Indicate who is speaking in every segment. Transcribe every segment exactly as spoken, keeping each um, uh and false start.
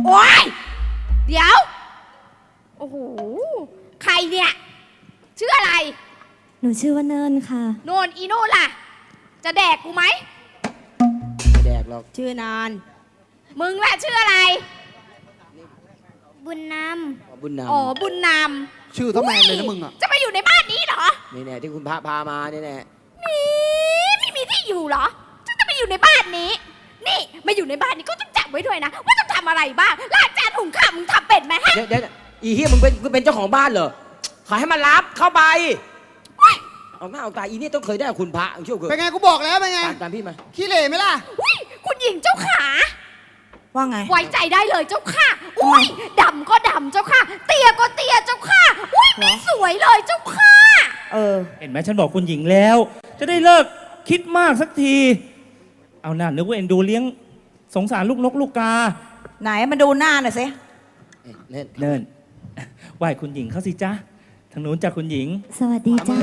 Speaker 1: โอ๊ยเดี๋ยวโอ้โหใครเนี่ยชื่ออะไร
Speaker 2: หนูชื่อว่าเนินค่ะ
Speaker 1: โนนอีโน่ล่ะจะแดกกูไหม
Speaker 3: ไม่แดกหรอก
Speaker 4: ชื่อนาน
Speaker 1: มึงล่ะชื่ออะไร
Speaker 2: บุญน
Speaker 3: ำบุญนำ
Speaker 1: อ๋อบุญน
Speaker 5: ำชื่อทำไมเลยนะมึงอ่ะ
Speaker 1: จะมาอยู่ในบ้านนี้เหรอ
Speaker 3: นี่แน่ที่คุณพระพามานี่แน่
Speaker 1: นี่ไม่มีที่อยู่เหรอจะจะมาอยู่ในบ้านนี้นี่มาอยู่ในบ้านนี้ก็ต้องจับไว้ด้วยนะว่าต้องทำอะไรบ้างล้างจานหุงข้าวมึงทำเป็ดไหมฮะ
Speaker 3: เดี๋ยวเดี๋ยวอีเฮียมึงเป็นมึงเป็นเจ้าของบ้านเหรอขอให้มันรับเข้าไปเอาหน้าเอาตาอีนี่ต้องเคยได้คุณพระเชื่อเกิน
Speaker 5: เป็นไงกูบอกแล้วเป็นไง
Speaker 3: ตามพี่มา
Speaker 5: ขี้เหร่ไหมล่ะ
Speaker 1: อุ้ยคุณหญิงเจ้าขา
Speaker 4: ว่าไง
Speaker 1: ไว้ใจได้เลยเจ้าค่ะอุ้ยดำก็ดำเจ้าค่ะเตี้ยก็เตี้ยเจ้าค่ะอุ้ยไม่สวยเลยเจ้าค่ะ
Speaker 4: เออ
Speaker 6: เห็นไหมฉันบอกคุณหญิงแล้วจะได้เลิกคิดมากสักทีเอาหน้านึกว่าเอ็นดูเลี้ยงสงสารลูกนกลูกกา
Speaker 4: ไหนมาดูหน้าหน่อยสิ
Speaker 3: เนิ่น
Speaker 6: เนิ่นไหว้คุณหญิงเขาสิจ้าทางนู้นจากคุณหญิง
Speaker 2: สวัสดีจ้า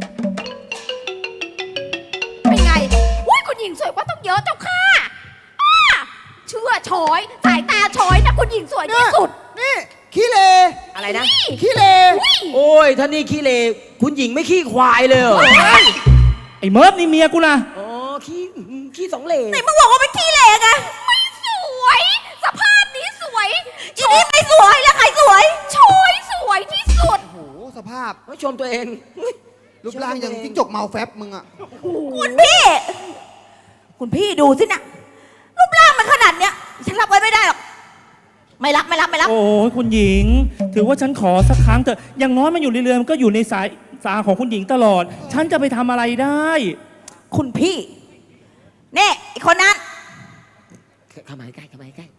Speaker 1: เป็นไงอุ้ยคุณหญิงสวยกว่าต้องเยอะเจ้าค่ะเชื่อชอยสายตาชอยนะคุณหญิงสวยที่สุด
Speaker 5: นี่ขี้เหร่
Speaker 3: อะไรนะ
Speaker 5: ขี้เหร่
Speaker 3: โอ้ยท่านี่ขี้เหร่คุณหญิงไม่ขี้ควายเลยเหรอ
Speaker 6: ไอ้เมิร์ฟนี่เมียกูนะ
Speaker 3: อ๋อขี้ขี้สองเหร่
Speaker 4: ไหนมึงบอกว่าเป็นขี้เหร่ไง
Speaker 1: ไม่สวยสภาพนี้สวย
Speaker 4: อีนี่ไม่สวยแล้วใครสวย
Speaker 1: ชอยสวยที่สุด
Speaker 5: โอ้โหสภาพ
Speaker 3: ไม่ชมตัวเอง
Speaker 5: รูปร่างอย่างจิ้งจกเมาแฟบมึงอ่ะ
Speaker 4: คุณพี่คุณพี่ดูสินะรูปร่างมันขนาดเนี้ยฉันรับไว้ไม่ได้หรอกไม่รับไม่รับไม่รับ
Speaker 6: โอ้ยคุณหญิงถือว่าฉันขอสักครั้งเถอะอย่างน้อยมันอยู่ในเรือนมันก็อยู่ในสายสาของคุณหญิงตลอดฉันจะไปทำอะไรได้
Speaker 4: คุณพี่เน่อีกคนนั้น
Speaker 3: เข้ามาใกล้เข้ามาใกล้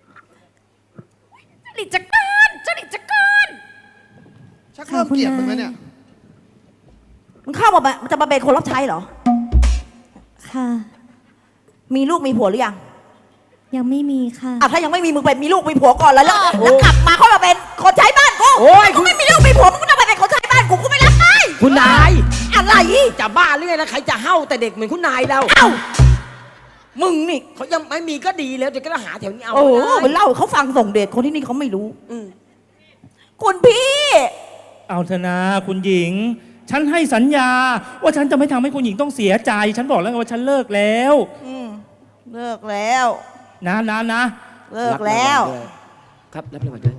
Speaker 1: จริตจักรานจริตจักราน
Speaker 5: ชักเริ่มเกลียดมึงแล้วเนี่ย
Speaker 4: มึงเข้ามามันจะมาเป็นคนรับใช้เหรอ
Speaker 2: ค่ะ
Speaker 4: มีลูกมีผัวหรือยัง
Speaker 2: ยังไม่มีค่ะ
Speaker 4: อ่ะถ้ายังไม่มีมึงไปมีลูกมีผัวก่อนแล้วแล้วกลับมาเขามาเป็นคนใช้บ้านกู
Speaker 3: โอ้ย
Speaker 4: กูไม่มีลูกมีผัวมึงก็จะไปเป็นคนใช้บ้านกูกูไม่รับได้
Speaker 3: คุณนาย
Speaker 4: อะไร
Speaker 3: จะบ้าหรือไงนะใครจะเห่าแต่เด็กเหมือนคุณนายเรา
Speaker 4: เอ้ามึงนี่
Speaker 3: เขายังไม่มีก็ดีแล้วเดี๋ยวก็หาแถวนี้เอา
Speaker 4: โอ้มันเล่าเขาฟังส่งเดชคนที่นี่เขาไม่รู้คุณพี่
Speaker 6: เอาเถอะนะคุณหญิงฉันให้สัญญาว่าฉันจะไม่ทำให้คุณหญิงต้องเสียใจฉันบอกแล้วว่าฉันเลิกแล้ว
Speaker 4: เลิกแล้ว
Speaker 6: นะนะนะ
Speaker 4: เลิกแล้ว
Speaker 3: ครับรับรางวัลด้วย